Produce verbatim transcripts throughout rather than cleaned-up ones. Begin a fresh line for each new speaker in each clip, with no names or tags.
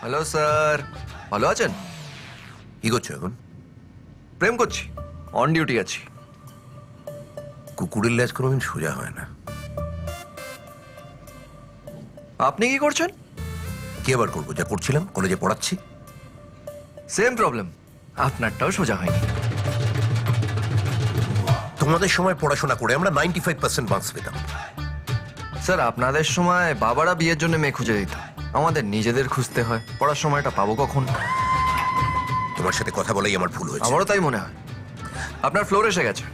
Hello sir, ভালো আছেন?
কি করছো এখন?
প্রেম করছি, অন ডিউটি আছি।
কুকুরের লেজ কোনোদিন সোজা হয় না।
আপনি কি করছেন?
কি আবার করবো? যা করছিলাম, কলেজে পড়াচ্ছি।
সেম প্রবলেম, আপনারটাও সোজা হয়নি।
তোমাদের সময় পড়াশোনা করে আমরা নাইনটি ফাইভ পার্সেন্ট মার্কস পেতাম।
স্যার আপনাদের সময় বাবারা বিয়ের জন্য মেয়ে খুঁজে দিত, আমাদের নিজেদের খুঁজতে হয়। পড়ার সময়টা পাবো কখন?
তোমার সাথে কথা বলাই আমার ভুল হয়েছে।
আমারও তাই মনে হয়। আপনার ফ্লোর এসে গেছে।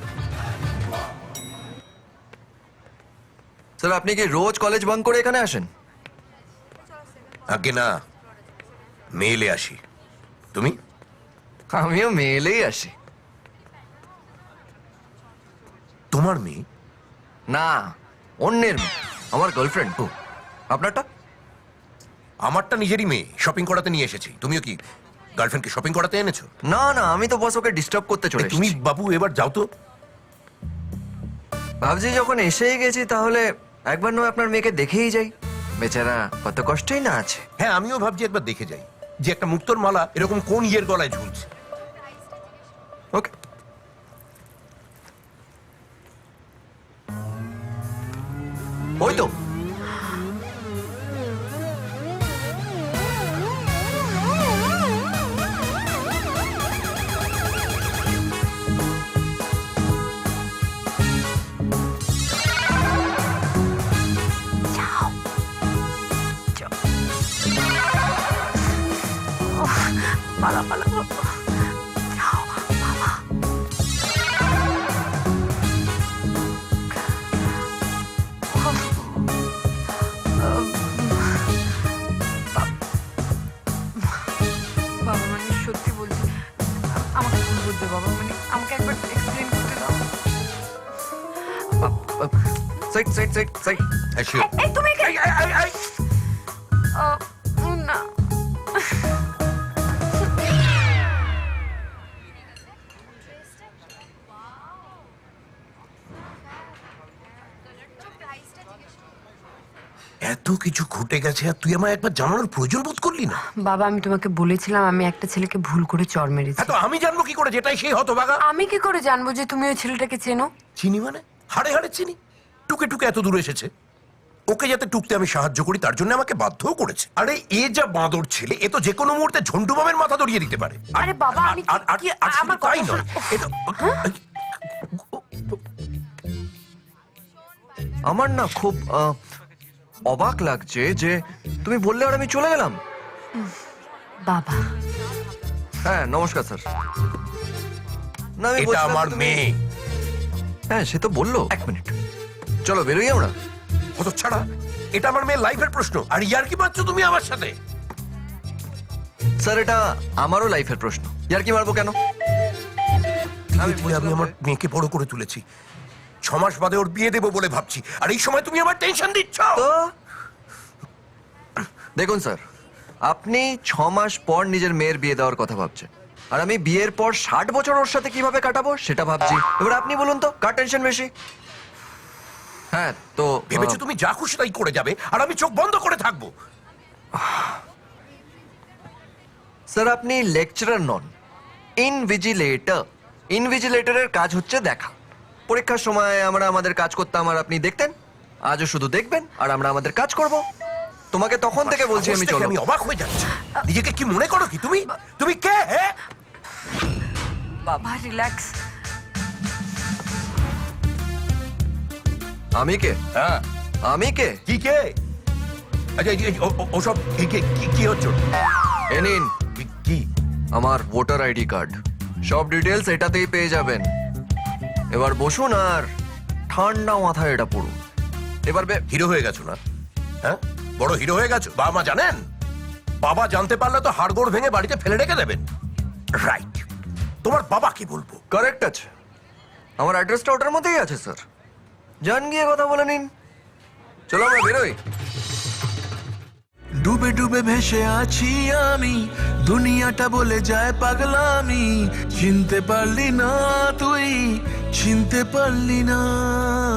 স্যার আপনি কি রোজ কলেজ বাঙ্ক করে এখানে আসেন?
আগে না, মেইলে আসি। তুমি?
আমিও মেয়েলেই আসি।
তোমার মেয়ে?
না, অন্যের মেয়ে, আমার গার্লফ্রেন্ড। ও, আপনারটা?
আমারটা নিজেরই মেয়ে, শপিং করাতে নিয়ে এসেছি। তুমিও কি গার্লফ্রেন্ডকে শপিং করাতে এনেছো?
না না, আমি তো বস ওকে ডিস্টার্ব করতে চলে
এই, তুমি
এসেছি।
বাবু এবার যাও তো।
ভাবছি যখন এসেই গেছি তাহলে একবার নয় আপনার মেয়েকে দেখেই যাই। বেচারা কত কষ্টই না আছে।
হ্যাঁ, আমিও ভাবছি একবার দেখে যাই যে একটা মুক্তোর মালা এরকম কোন ইয়ের গলায় ঝুলছে।
ওকে। ওই তো।
পালা পালা যাও বাবা। বাবা মানে সত্যি বলছি, আমাকে ভুল বুঝতে বাবা, মানে আমাকে একবার এক্সপ্লেন করতে দাও।
Side side side side.
হ্যাঁ, sure.
এই তুমি এখানে-
এই, এই, এই, এই।
আহ, না
এত কিছু ঘটে গেছে আর তুই আমায় একবার জানানোর প্রয়োজন বোধ করলি না?
বাবা, আমি তোমাকে বলেছিলাম আমি একটা ছেলেকে ভুল করে চড় মেরেছি।
হ্যাঁ, তো আমি জানবো কি করে যেটাই সেই হতভাগা?
আমি কি করে জানবো যে তুমি ওই ছেলেটাকে চেনো?
চিনি মানে? হাড়ে হাড়ে চিনি। টুকে টুকে এত দূর এসেছে। ওকে যাতে টুকতে আমি সাহায্য করি তার জন্য আমাকে বাধ্যও করেছে। আরে এ যা বাঁদর ছেলে, এ তো যে কোনো মুহূর্তে ঝন্টু বামের মাথা দড়িয়ে দিতে পারে। আর-
আরে বাবা,
আর-
আমি
আর- আর-
কি-
আর শুধু
আমার
তাই
কথা
নয়,
শোনো।
এ তো-
আমার না খুব আহ, অবাক লাগছে যে তুমি বললে আর আমি চলে গেলাম।
বাবা,
হ্যাঁ নমস্কার স্যার। না আমি
এটা
বলছিলাম
আমার
তুমি-
মেয়ে।
হ্যাঁ সে তো বললো। এক মিনিট, চলো বেরোই আমরা।
কত ছাড়া, এটা আমার মেয়ের লাইফের প্রশ্ন আর ইয়ার কি পাচ্ছ তুমি আমার সাথে?
স্যার এটা আমারও লাইফের প্রশ্ন, ইয়ার কি মারবো কেন? আমি
ধীরে ধীরে আমি আমার মেয়েকে বড় করে তুলেছি। ছ মাস বাদে ওর বিয়ে দেবো বলে ভাবছি, আর এই সময় তুমি আমার টেনশন দিচ্ছ।
তো দেখুন স্যার, আপনি ছ মাস পর নিজের মেয়ের বিয়ে দেওয়ার কথা ভাবছেন, আর আমি বিয়ের পর ষাট বছর ওর সাথে কিভাবে কাটাবো সেটা ভাবছি। এবার আপনি বলুন তো কার টেনশন বেশি? হ্যাঁ তো
ভেবেছো
আহ,
তুমি যা খুশি তাই করে যাবে আর আমি চোখ বন্ধ করে থাকবো?
স্যার আপনি লেকচারার নন, ইনভিজিলেটর। ইনভিজিলেটরের কাজ হচ্ছে দেখা। পরীক্ষার সময় আমরা আমাদের কাজ করতাম আর আপনি দেখতেন। আজও শুধু দেখবেন আর আমরা আমাদের কাজ করব। তোমাকে তখন থেকে বলছি আমি
সাহস দেখে
চলো।
আমি অবাক হয়ে যাচ্ছি। নিজেকে কি মনে করো কি তুমি? তুমি কে? হ্যাঁ,
বাবা রিল্যাক্স।
আমি কে?
হ্যাঁ,
আমি কে?
কি কে? আচ্ছা, এই- এই- ও- ও- ওসব কি- কি- কি- কি হচ্ছে?
এ নিন
কি- কি?
আমার ভোটার আইডি কার্ড, সব ডিটেলস এটাতেই পেয়ে যাবেন। এবার বসুন আর ঠান্ডা মাথায় এটা পড়ুন। এবার বে-
হিরো হয়ে গেছো না? হ্যাঁ, বড় হিরো হয়ে গেছো। বাবা মা জানেন? বাবা জানতে পারলে তো হাড়গোড় ভেঙে বাড়িতে ফেলে রেখে দেবেন। রাইট। তোমার বাবা কি বলবো?
কারেক্ট আছে, আমার অ্যাড্রেসটা ওটার মধ্যেই আছে স্যার। যান গিয়ে কথা বলে নিন। চলো আমরা বেরোই।
ডুবে ডুবে ভেসে আছি আমি, দুনিয়াটা বলে যায় পাগলামি। চিনতে পারলি না তুই, চিনতে পারলি না।